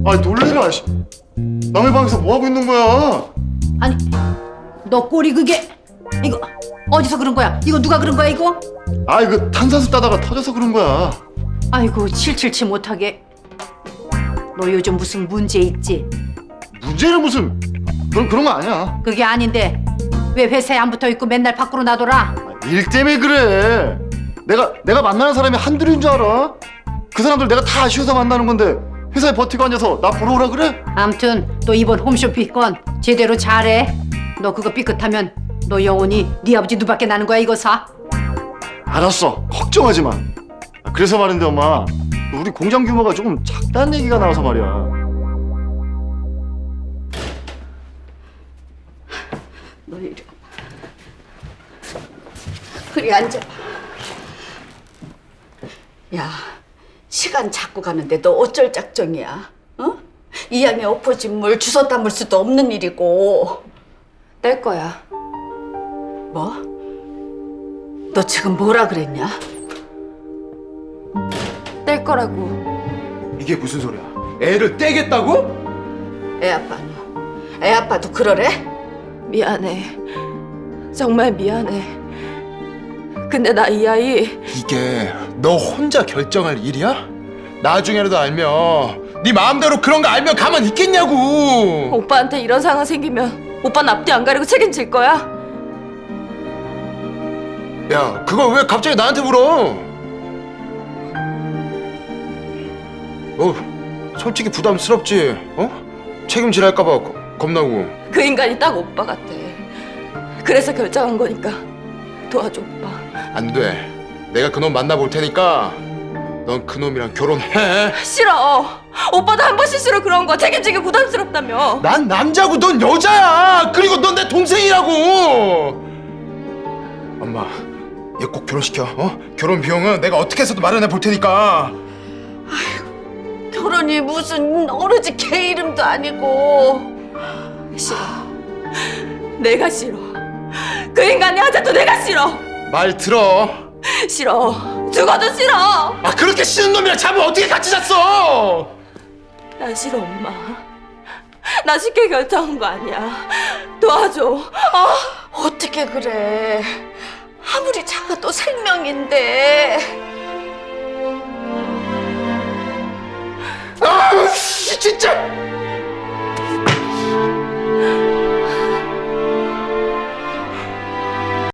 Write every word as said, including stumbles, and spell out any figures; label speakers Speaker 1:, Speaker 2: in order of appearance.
Speaker 1: 아 놀래라. 씨. 남의 방에서 뭐 하고 있는 거야?
Speaker 2: 아니, 너 꼴이 그게 이거 어디서 그런 거야? 이거 누가 그런 거야 이거?
Speaker 1: 아 이거 탄산수 따다가 터져서 그런 거야.
Speaker 2: 아이고 칠칠치 못하게. 너 요즘 무슨 문제 있지?
Speaker 1: 문제는 무슨 그런 그런 거 아니야.
Speaker 2: 그게 아닌데 왜 회사에 안 붙어 있고 맨날 밖으로 나돌아?
Speaker 1: 일 때문에 그래. 내가 내가 만나는 사람이 한둘인 줄 알아? 그 사람들 내가 다 아쉬워서 만나는 건데 회사에 버티고 앉아서 나 보러 오라 그래?
Speaker 2: 암튼 또 이번 홈쇼핑 건 제대로 잘해. 너 그거 삐끗하면 너 영원히 네 아버지 누밖에 나는 거야 이거 사.
Speaker 1: 알았어. 걱정하지 마. 아, 그래서 말인데 엄마, 우리 공장 규모가 조금 작다는 얘기가 나와서 말이야.
Speaker 2: 너 이리 그리 앉아봐. 야, 시간 자꾸 가는데 너 어쩔 작정이야? 어? 이 양에 엎어진 물 주워 담을 수도 없는 일이고.
Speaker 3: 뗄 거야.
Speaker 2: 뭐? 너 지금 뭐라 그랬냐?
Speaker 3: 뗄 거라고.
Speaker 4: 이게 무슨 소리야? 애를 떼겠다고?
Speaker 2: 애 아빠 너. 애 아빠도 그러래?
Speaker 3: 미안해. 정말 미안해. 근데 나 이 아이
Speaker 4: 이게 너 혼자 결정할 일이야? 나중에라도 알면 네 마음대로 그런 거 알면 가만히 있겠냐고.
Speaker 3: 오빠한테 이런 상황 생기면 오빠는 앞뒤 안 가리고 책임질 거야?
Speaker 4: 야, 그걸 왜 갑자기 나한테 물어? 어, 솔직히 부담스럽지? 어? 책임질할까 봐 겁나고.
Speaker 3: 그 인간이 딱 오빠 같아. 그래서 결정한 거니까 도와줘 오빠.
Speaker 4: 안 돼. 내가 그놈 만나볼 테니까 넌 그놈이랑 결혼해.
Speaker 3: 싫어. 오빠도 한 번 실수로 그런 거 책임지기 부담스럽다며.
Speaker 4: 난 남자고 넌 여자야. 그리고 넌 내 동생이라고. 엄마, 얘 꼭 결혼시켜. 어? 결혼 비용은 내가 어떻게 해서도 마련해 볼 테니까.
Speaker 2: 결혼이 무슨 어르지 개 이름도 아니고.
Speaker 3: 싫어. 내가 싫어. 그 인간이 아직도 내가 싫어.
Speaker 4: 말 들어.
Speaker 3: 싫어. 죽어도 싫어.
Speaker 4: 아, 그렇게 싫은 놈이랑 잠을 어떻게 같이 잤어?
Speaker 3: 나 싫어 엄마. 나 쉽게 결정한 거 아니야. 도와줘. 아,
Speaker 2: 어떻게 그래? 아무리 작아도 생명인데.
Speaker 4: 아, 진짜.